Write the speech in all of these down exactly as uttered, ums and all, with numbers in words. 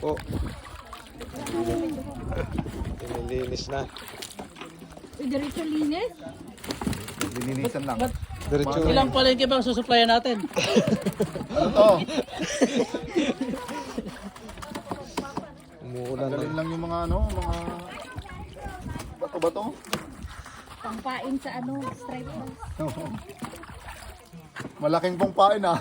po. Pinilinis na. Uy, diretso linis. Lininisan lang. Diretso. Ilang palengke bang susuplayan natin? Ano to? Umuulan Galing na. lang yung mga ano, mga bato-bato. Pangpain sa ano, stripe bus. Malaking pong pain ah.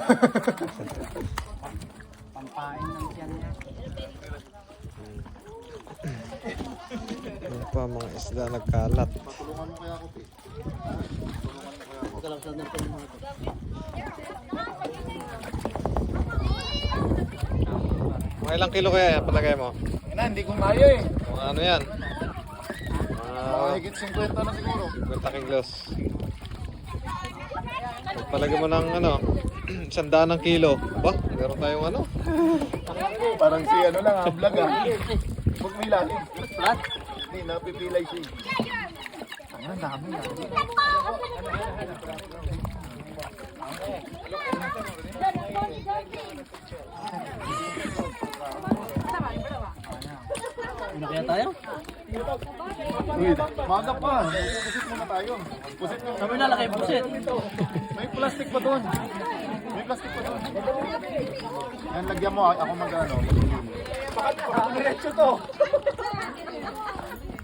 Ano pa mga isda nagkalat. Patulungan mo kaya ako, Pi. Mga ilang kilo kaya yan palagay mo? Ina, hindi ko kaya eh. Mga ano yan? Mga Mga higit fifty na siguro. kwenta kilos. Palagay mo ng ano, isang daan ng kilo. Ba, meron tayong ano? Parang si ano lang ah, vlog ah. Huwag may lalim. Hindi, napipilay siya. Ang dami ah. Ano kaya tayo? Uy, maga pa. Pusit muna tayo. Pusit mo. Kami na laki pusit. May plastic pa doon. May plastic pa doon. Yan, lagyan mo. Ako mag-ano. Diretso to.